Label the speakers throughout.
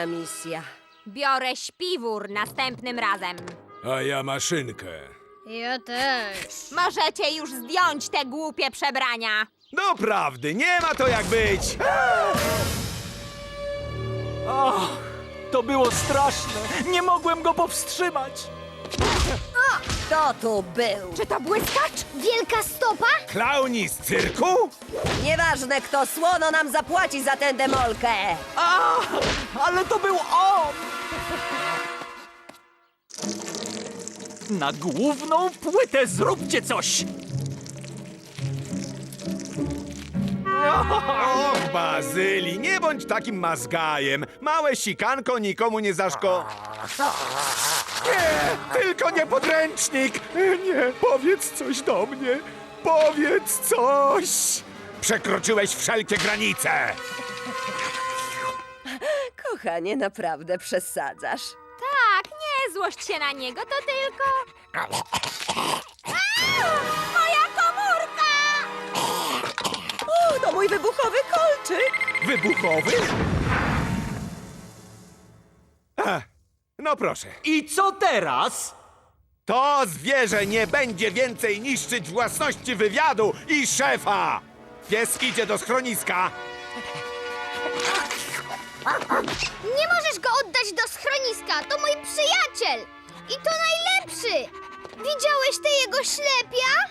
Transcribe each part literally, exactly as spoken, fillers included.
Speaker 1: misja.
Speaker 2: Biorę śpiwór następnym razem.
Speaker 3: A ja maszynkę.
Speaker 4: Ja też.
Speaker 2: Możecie już zdjąć te głupie przebrania.
Speaker 3: Doprawdy, nie ma to jak być!
Speaker 5: O, to było straszne. Nie mogłem go powstrzymać.
Speaker 1: Kto tu był?
Speaker 2: Czy to błyskacz?
Speaker 4: Wielka stopa?
Speaker 3: Klauni z cyrku?
Speaker 1: Nieważne kto, słono nam zapłaci za tę demolkę.
Speaker 5: A, ale to był on! Na główną płytę zróbcie coś!
Speaker 3: Och, Bazyli, nie bądź takim mazgajem. Małe sikanko nikomu nie zaszko... Nie, tylko nie podręcznik. Nie, powiedz coś do mnie. Powiedz coś. Przekroczyłeś wszelkie granice.
Speaker 1: Kochanie, naprawdę przesadzasz.
Speaker 2: Tak, nie złość się na niego, to tylko... A! Moja komórka!
Speaker 1: O, to mój wybuchowy kolczyk.
Speaker 3: Wybuchowy? Ach, no proszę.
Speaker 5: I co teraz?
Speaker 3: To zwierzę nie będzie więcej niszczyć własności wywiadu i szefa! Pies idzie do schroniska.
Speaker 4: Nie możesz go oddać do schroniska. To mój przyjaciel. I to najlepszy. Widziałeś tę jego ślepia?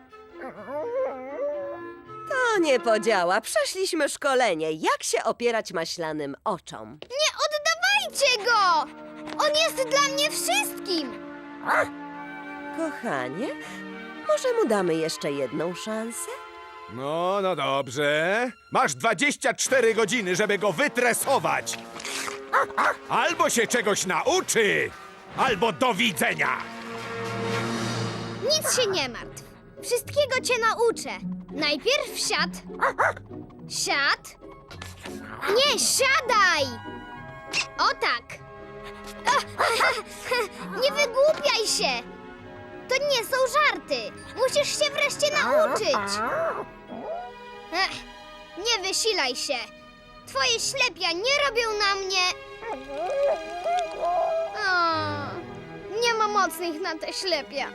Speaker 1: To nie podziała. Przeszliśmy szkolenie. Jak się opierać maślanym oczom?
Speaker 4: Nie oddawajcie go! On jest dla mnie wszystkim.
Speaker 1: Kochanie, może mu damy jeszcze jedną szansę?
Speaker 3: No, no dobrze. Masz dwadzieścia cztery godziny, żeby go wytresować. Albo się czegoś nauczy, albo do widzenia.
Speaker 4: Nic się nie martw. Wszystkiego cię nauczę. Najpierw siad. Siad. Nie, siadaj! O tak. Nie wygłupiaj się. To nie są żarty. Musisz się wreszcie nauczyć. Ech, nie wysilaj się. Twoje ślepia nie robią na mnie... O, nie ma mocnych na te ślepia.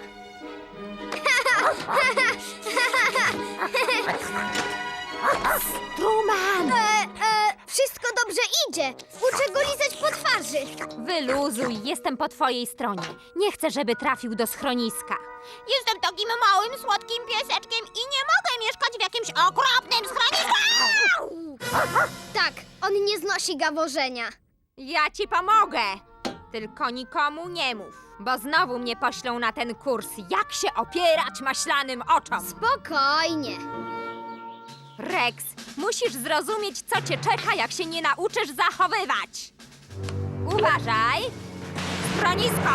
Speaker 2: Truman!
Speaker 4: E, e, wszystko dobrze idzie. Uczę go lizać po twarzy.
Speaker 2: Wyluzuj, jestem po twojej stronie. Nie chcę, żeby trafił do schroniska. Jestem takim małym, słodkim pieseczkiem i nie mogę mieszkać w jakimś okropnym schronisku!
Speaker 4: Tak, on nie znosi gaworzenia.
Speaker 2: Ja ci pomogę. Tylko nikomu nie mów, bo znowu mnie poślą na ten kurs, jak się opierać maślanym oczom.
Speaker 4: Spokojnie.
Speaker 2: Rex, musisz zrozumieć, co cię czeka, jak się nie nauczysz zachowywać. Uważaj! Schronisko!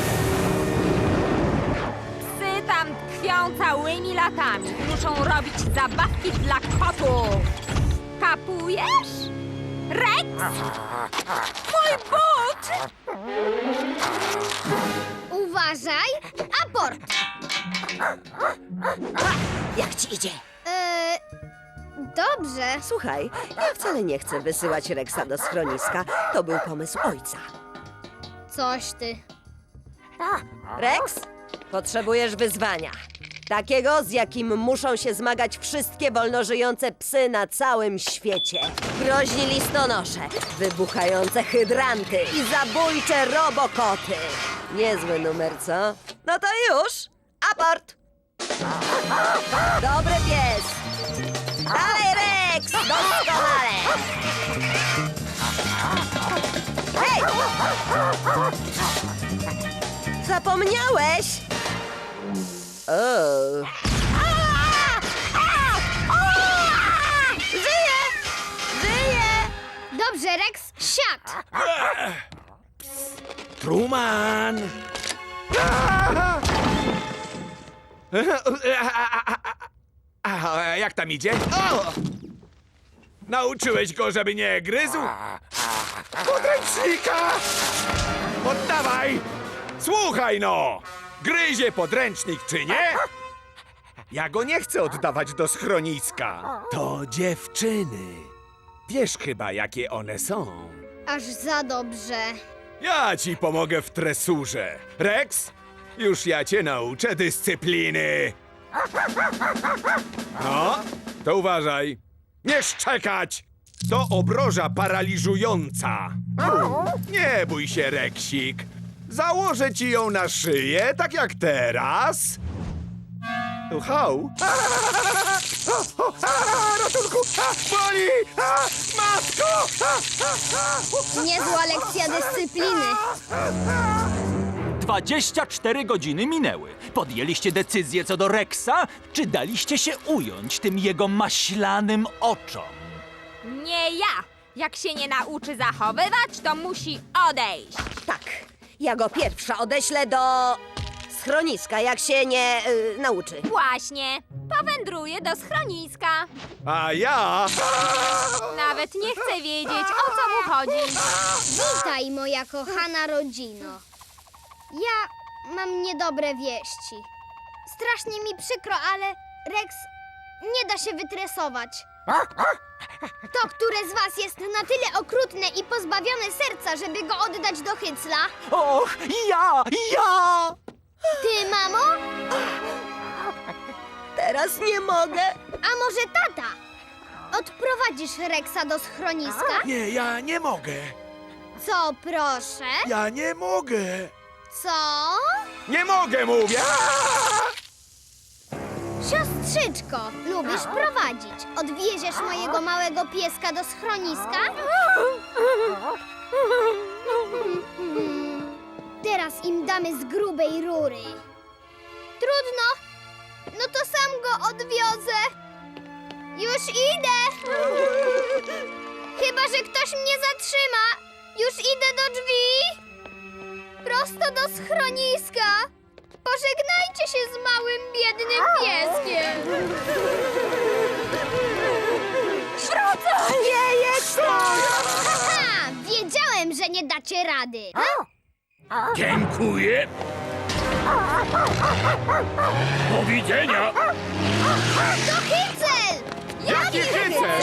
Speaker 2: Psy tam tkwią całymi latami. Muszą robić zabawki dla kotów. Kapujesz? Rex! Mój but!
Speaker 4: Uważaj. Aport.
Speaker 1: Jak ci idzie?
Speaker 4: E, dobrze.
Speaker 1: Słuchaj, ja wcale nie chcę wysyłać Rexa do schroniska. To był pomysł ojca.
Speaker 4: Coś ty.
Speaker 1: Rex, potrzebujesz wyzwania. Takiego, z jakim muszą się zmagać wszystkie wolnożyjące psy na całym świecie. Groźni listonosze, wybuchające hydranty i zabójcze robokoty. Niezły numer, co? No to już! Aport! Dobry pies! Dalej, Rex! Doskonale! Hej! Zapomniałeś? O. Żyje! Żyje!
Speaker 4: Dobrze, Rex, siad.
Speaker 3: Truman! A, jak tam idzie? O! Nauczyłeś go, żeby nie gryzł? Podręcznika! Oddawaj! Słuchaj no! Gryzie podręcznik, czy nie? Ja go nie chcę oddawać do schroniska. To dziewczyny. Wiesz chyba, jakie one są.
Speaker 4: Aż za dobrze.
Speaker 3: Ja ci pomogę w tresurze. Rex, już ja cię nauczę dyscypliny. No, to uważaj. Nie szczekać! To obroża paraliżująca. Nie bój się, Reksik. Założę ci ją na szyję, tak jak teraz. Hał! Ratunku! A, boli! A, matko!
Speaker 4: Niezła lekcja dyscypliny.
Speaker 5: dwadzieścia cztery godziny minęły. Podjęliście decyzję co do Rexa, czy daliście się ująć tym jego maślanym oczom?
Speaker 2: Nie ja! Jak się nie nauczy zachowywać, to musi odejść.
Speaker 1: Tak, ja go pierwsza odeślę do schroniska, jak się nie y, nauczy.
Speaker 2: Właśnie, powędruje do schroniska.
Speaker 3: A ja...
Speaker 2: Nawet nie chcę wiedzieć, o co mu chodzi.
Speaker 4: Witaj, moja kochana rodzino. Ja mam niedobre wieści. Strasznie mi przykro, ale Rex nie da się wytresować. To, które z was jest na tyle okrutne i pozbawione serca, żeby go oddać do hycla?
Speaker 5: Och, ja, ja!
Speaker 4: Ty, mamo?
Speaker 1: Teraz nie mogę.
Speaker 4: A może tata? Odprowadzisz Rexa do schroniska?
Speaker 3: Nie, ja nie mogę.
Speaker 4: Co, proszę?
Speaker 3: Ja nie mogę.
Speaker 4: Co?
Speaker 3: Nie mogę, mówię!
Speaker 4: Siostrzyczko, lubisz prowadzić? Odwieziesz mojego małego pieska do schroniska? Teraz im damy z grubej rury. Trudno. No to sam go odwiozę. Już idę. Chyba że ktoś mnie zatrzyma. Już idę do drzwi. Prosto do schroniska. Pożegnajcie się z małym, biednym pieskiem.
Speaker 1: Wrócę! Nie jest to!
Speaker 4: Haha, wiedziałem, że nie dacie rady.
Speaker 3: Dziękuję. Do widzenia.
Speaker 4: To Hycel!
Speaker 3: Jaki hycel?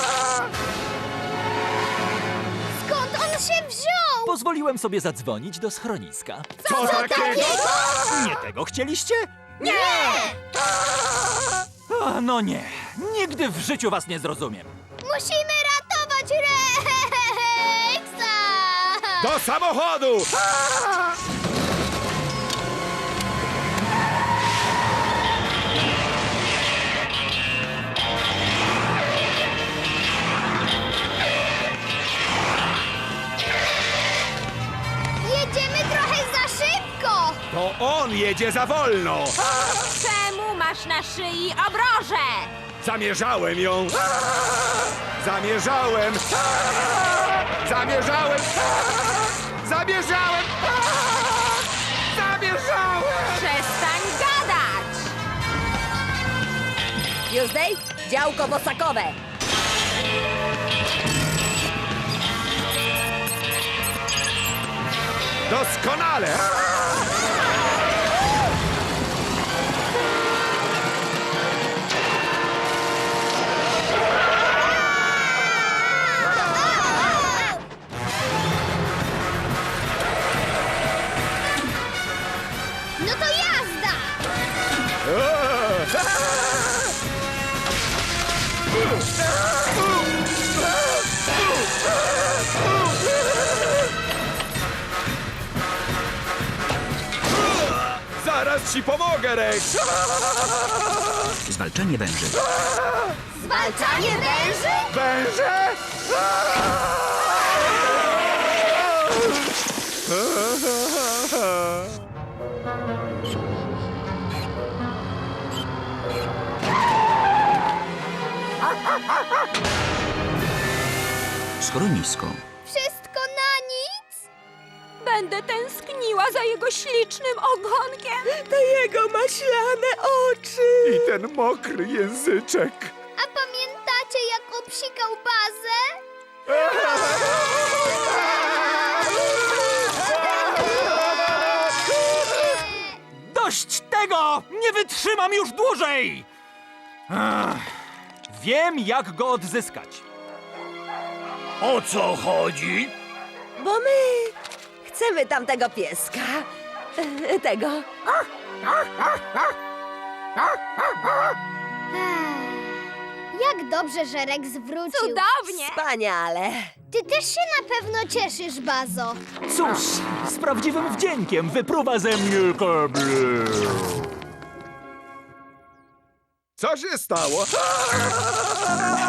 Speaker 4: Skąd on się wziął?
Speaker 5: Pozwoliłem sobie zadzwonić do schroniska.
Speaker 3: Co takiego?
Speaker 5: Nie tego chcieliście?
Speaker 4: Nie!
Speaker 5: A, no nie, nigdy w życiu was nie zrozumiem.
Speaker 4: Musimy ratować Rexa!
Speaker 3: Do samochodu!
Speaker 4: Jedziemy trochę za szybko!
Speaker 3: To on jedzie za wolno!
Speaker 2: Czemu masz na szyi obrożę?
Speaker 3: Zamierzałem ją! Zamierzałem! Zamierzałem! Zamierzałem! Zamierzałem!
Speaker 2: Przestań gadać!
Speaker 1: Tuesday, działko bosakowe.
Speaker 3: Doskonale!
Speaker 4: No to jazda!
Speaker 3: Zaraz ci pomogę, Rex!
Speaker 6: Zwalczanie węży.
Speaker 4: Zwalczanie węży?
Speaker 3: Węże!
Speaker 6: Schronisko.
Speaker 4: Wszystko na nic?
Speaker 2: Będę tęskniła za jego ślicznym ogonkiem.
Speaker 1: Te jego maślane oczy.
Speaker 3: I ten mokry języczek.
Speaker 4: A pamiętacie, jak obsikał bazę?
Speaker 5: Dość tego! Nie wytrzymam już dłużej! Ach, wiem, jak go odzyskać.
Speaker 3: O co chodzi?
Speaker 1: Bo my chcemy tamtego pieska. E, Tego.
Speaker 4: Jak dobrze, że Rex wrócił.
Speaker 2: Cudownie!
Speaker 1: Wspaniale.
Speaker 4: Ty też się na pewno cieszysz, Bazo.
Speaker 5: Cóż, z prawdziwym wdziękiem wypruwa ze mnie kabel.
Speaker 3: Co się stało?